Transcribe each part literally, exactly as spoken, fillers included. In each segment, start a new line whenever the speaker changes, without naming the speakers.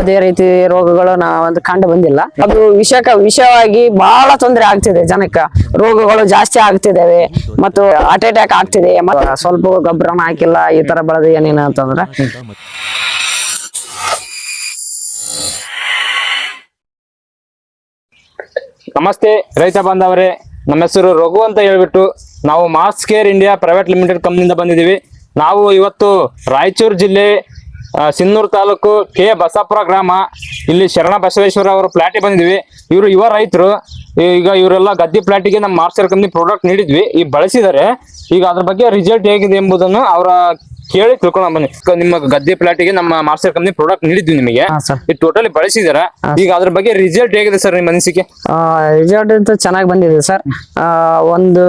ಯಾವುದೇ ರೀತಿ ರೋಗಗಳು ನಾ ಒಂದು ಕಂಡು ಬಂದಿಲ್ಲ. ಅದು ವಿಷಕ ವಿಷವಾಗಿ ಬಹಳ ತೊಂದರೆ ಆಗ್ತಿದೆ ಜನಕ್ಕೆ, ರೋಗಗಳು ಜಾಸ್ತಿ ಆಗ್ತಿದ್ದಾವೆ ಮತ್ತು ಹಾರ್ಟ್ ಅಟ್ಯಾಕ್ ಆಗ್ತಿದೆ. ಮತ್ತೆ ಸ್ವಲ್ಪ ಗೊಬ್ಬರನ ಹಾಕಿಲ್ಲ ಈ ತರ ಬೆಳೆದು ಏನೇನು ಅಂತಂದ್ರೆ
ನಮಸ್ತೆ ರೈತ ಬಾಂಧವರೇ, ನಮ್ಮ ಹೆಸರು ರಘು ಅಂತ ಹೇಳ್ಬಿಟ್ಟು ನಾವು Mass Care India private limited ಕಂಪ್ನಿಯಿಂದ ಬಂದಿದ್ದೀವಿ. ನಾವು ಇವತ್ತು ರಾಯಚೂರು ಜಿಲ್ಲೆ ಸಿನ್ನೂರು ತಾಲೂಕು ಕೆ ಬಸಾಪುರ ಗ್ರಾಮ, ಇಲ್ಲಿ ಶರಣ ಬಸವೇಶ್ವರ ಅವರ ಪ್ಲಾಟಿಗೆ ಬಂದಿದ್ವಿ. ಇವರು ಯುವ ರೈತರು. ಈಗ ಇವರೆಲ್ಲ ಗದ್ದೆ ಪ್ಲಾಟಿಗೆ ನಮ್ಮ ಮಾಸ್ ಕೇರ್ ಕಂಪ್ನಿ ಪ್ರಾಡಕ್ಟ್ ನೀಡಿದ್ವಿ, ಈಗ ಬಳಸಿದ್ದಾರೆ. ಈಗ ಅದ್ರ ಬಗ್ಗೆ ರಿಸಲ್ಟ್ ಹೇಗಿದೆ ಎಂಬುದನ್ನು ಅವರ ಕೇಳಿ ತಿಳ್ಕೊಳ್ಳೋಣ ಬನ್ನಿ. ನಿಮ್ಮ ಗದ್ದೆ ಪ್ಲಾಟಿಗೆ ನಮ್ಮ ಮಾಸ್ ಕೇರ್ ಕಂಪ್ನಿ ಪ್ರಾಡಕ್ಟ್ ನೀಡಿದ್ವಿ ನಿಮಗೆ, ಇದು ಟೋಟಲಿ ಬಳಸಿದಾರ. ಈಗ ಅದ್ರ ಬಗ್ಗೆ ರಿಸಲ್ಟ್ ಹೇಗಿದೆ ಸರ್ ನಿಮ್ಮ ಅನಿಸಿಕೆ?
ರಿಸಲ್ಟ್ ಅಂತೂ ಚೆನ್ನಾಗಿ ಬಂದಿದೆ ಸರ್. ಒಂದು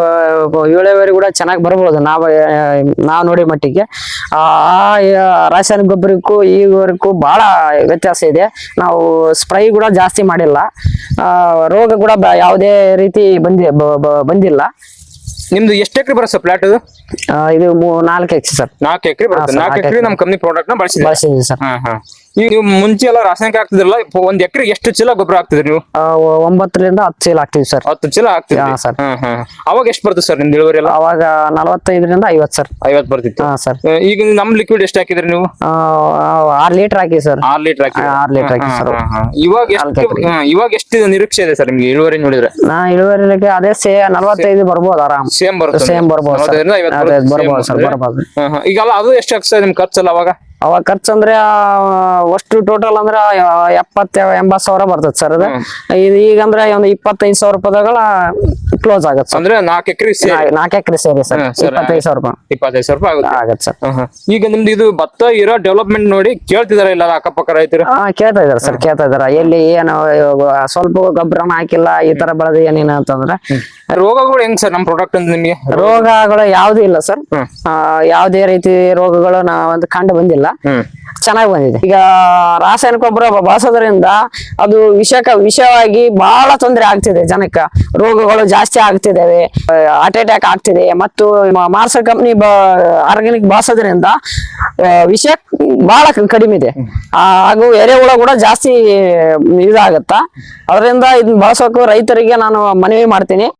ಏಳುವರೆ ಕೂಡ ಚೆನ್ನಾಗಿ ಬರ್ಬೋದು ನಾವು ನಾವು ನೋಡಿ ಮಟ್ಟಿಗೆ. ಆ ರಾಸಾಯನಿಕ ಗೊಬ್ಬರಕ್ಕೂ ಈವರೆಗೂ ಬಹಳ ವ್ಯತ್ಯಾಸ ಇದೆ. ನಾವು ಸ್ಪ್ರೈ ಕೂಡ ಜಾಸ್ತಿ ಮಾಡಿಲ್ಲ, ರೋಗ ಕೂಡ ಯಾವುದೇ ರೀತಿ ಬಂದಿ ಬಂದಿಲ್ಲ.
ನಿಮ್ದು ಎಷ್ಟು ಎಕರೆ ಬರುತ್ತೆ ಸರ್ ಪ್ಲಾಟ್? ಇದು
ಇದು ನಾಲ್ಕು ಎಕರೆ ಸರ್.
ನಾಲ್ಕು ಎಕರೆ ಬರುತ್ತೆ. ನಾಲ್ಕು ಎಕರೆ ನಮ್ಮ ಕಂಪ್ನಿ ಪ್ರಾಡಕ್ಟ್ ನ
ಬಳಸಿದ್ದೀವಿ ಸರ್.
ಈಗ ನೀವು ಮುಂಚೆ ಎಲ್ಲ ರಾಸಾಯನಿಕ ಹಾಕ್ತಿದ್ರಲ್ಲ, ಒಂದ್ ಎಕರೆ ಎಷ್ಟು ಚೀಲ ಗೊಬ್ಬರ ಹಾಕ್ತಿದ್ರಿ ನೀವು?
ಒಂಬತ್ತರಿಂದ ಹತ್ತು ಚೀಲ ಹಾಕ್ತಿವಿ ಸರ್.
ಹತ್ತು ಚೀಲ ಹಾಕ್ತಿವಿ ಸರ್. ಅವಾಗ ಎಷ್ಟು ಬರ್ತದೆ ಸರ್ ನಿಮ್ದು ಇಳುವರಿ ಎಲ್ಲ?
ಅವಾಗ ನಲವತ್ತೈದರಿಂದ ಐವತ್ತು ಸರ್.
ಐವತ್ತು ಬರ್ತಿತ್ತು ಸರ್. ಈಗ ನಮ್ ಲಿಕ್ವಿಡ್ ಎಷ್ಟು ಹಾಕಿದ್ರಿ ನೀವು?
ಆರ್ ಲೀಟರ್ ಹಾಕಿ ಸರ್.
ಆರ್ ಲೀಟರ್ ಹಾಕಿ
ಆರ್ ಲೀಟರ್ ಹಾಕಿ ಸರ್.
ಇವಾಗ ಎಷ್ಟು ಇವಾಗ ಎಷ್ಟು ನಿರೀಕ್ಷೆ ಇದೆ ಸರ್ ನಿಮ್ಗೆ ಇಳುವರಿ ನೋಡಿದ್ರೆ?
ನಾ ಇಳುವರಿ ಅದೇ ಸೇ ನಲವತ್ತೈದು ಬರ್ಬೋದು, ಆರಾಮ್
ಸೇಮ್ ಬರುತ್ತೆ.
ಸೇಮ್ ಬರ್ಬೋದು ಬರ್ಬೋದು ಸರ್, ಬರ್ಬೋದು.
ಈಗ ಅದು ಎಷ್ಟು ಆಗ್ತದೆ ನಿಮ್ ಖರ್ಚಲ್ಲ ಅವಾಗ?
ಅವಾಗ ಖರ್ಚು ಅಂದ್ರೆ ಅಷ್ಟು ಟೋಟಲ್ ಅಂದ್ರೆ ಎಪ್ಪತ್ತ ಎಂಬತ್ ಸಾವಿರ ಬರ್ತದೆ ಸರ್. ಅದು ಇದು ಈಗಂದ್ರೆ ಒಂದು ಇಪ್ಪತ್ತೈದು ಸಾವಿರ ರೂಪಾಯಿಗಳ ಕ್ಲೋಸ್ ಆಗತ್ತೆ
ಅಂದ್ರೆ ನಾಲ್ಕು ಎಕರೆ
ನಾಲ್ಕು ಎಕರೆ ಸೇರಿ ಸರ್. ಇಪ್ಪತ್ತೈದು ಸಾವಿರ ರೂಪಾಯಿ
ಇಪ್ಪತ್ತೈದು ಸಾವಿರ ರೂಪಾಯಿ
ಆಗತ್ತೆ ಸರ್.
ಈಗ ನಿಮ್ದು ಇದು ಭತ್ತ ಇರೋ ಡೆವಲಪ್ಮೆಂಟ್ ನೋಡಿ ಕೇಳ್ತಿದಾರ ಇಲ್ಲ ಅಕ್ಕಪಕ್ಕ ರೈತರು?
ಹಾ ಕೇಳ್ತಾ ಇದಾರೆ ಸರ್, ಕೇಳ್ತಾ ಇದಾರೆ. ಎಲ್ಲಿ ಏನು ಸ್ವಲ್ಪ ಗೊಬ್ಬರನ ಹಾಕಿಲ್ಲ ಈ ತರ ಬೆಳೆದು ಏನೇನು ಅಂತಂದ್ರೆ.
ರೋಗಗಳು ಹೆಂಗ್ ಸರ್ ನಮ್ ಪ್ರಾಡಕ್ಟ್ ಅಂತ ನಿಮ್ಗೆ?
ರೋಗಗಳು ಯಾವ್ದು ಇಲ್ಲ ಸರ್, ಯಾವುದೇ ರೀತಿ ರೋಗಗಳು ನಾ ಒಂದು ಕಂಡು ಬಂದಿಲ್ಲ, ಚೆನ್ನಾಗಿ ಬಂದಿದೆ. ಈಗ ರಾಸಾಯನಿಕ ಗೊಬ್ಬರ ಬಳಸೋದ್ರಿಂದ ಅದು ವಿಷಕ ವಿಷವಾಗಿ ಬಹಳ ತೊಂದರೆ ಆಗ್ತಿದೆ ಜನಕ್ಕೆ, ರೋಗಗಳು ಜಾಸ್ತಿ ಆಗ್ತಿದ್ದಾವೆ, ಹಾರ್ಟ್ ಅಟ್ಯಾಕ್ ಆಗ್ತಿದೆ. ಮತ್ತು ಮಾರ್ಸ್ ಕಂಪ್ನಿ ಆರ್ಗಾನಿಕ್ ಬಳಸೋದ್ರಿಂದ ವಿಷ ಬಹಳ ಕಡಿಮೆ ಇದೆ, ಹಾಗೂ ಎರೆಹುಳ ಕೂಡ ಜಾಸ್ತಿ ಇದಾಗತ್ತ. ಅದರಿಂದ ಇದನ್ನ ಬಳಸೋಕು ರೈತರಿಗೆ ನಾನು ಮನವಿ ಮಾಡ್ತೀನಿ.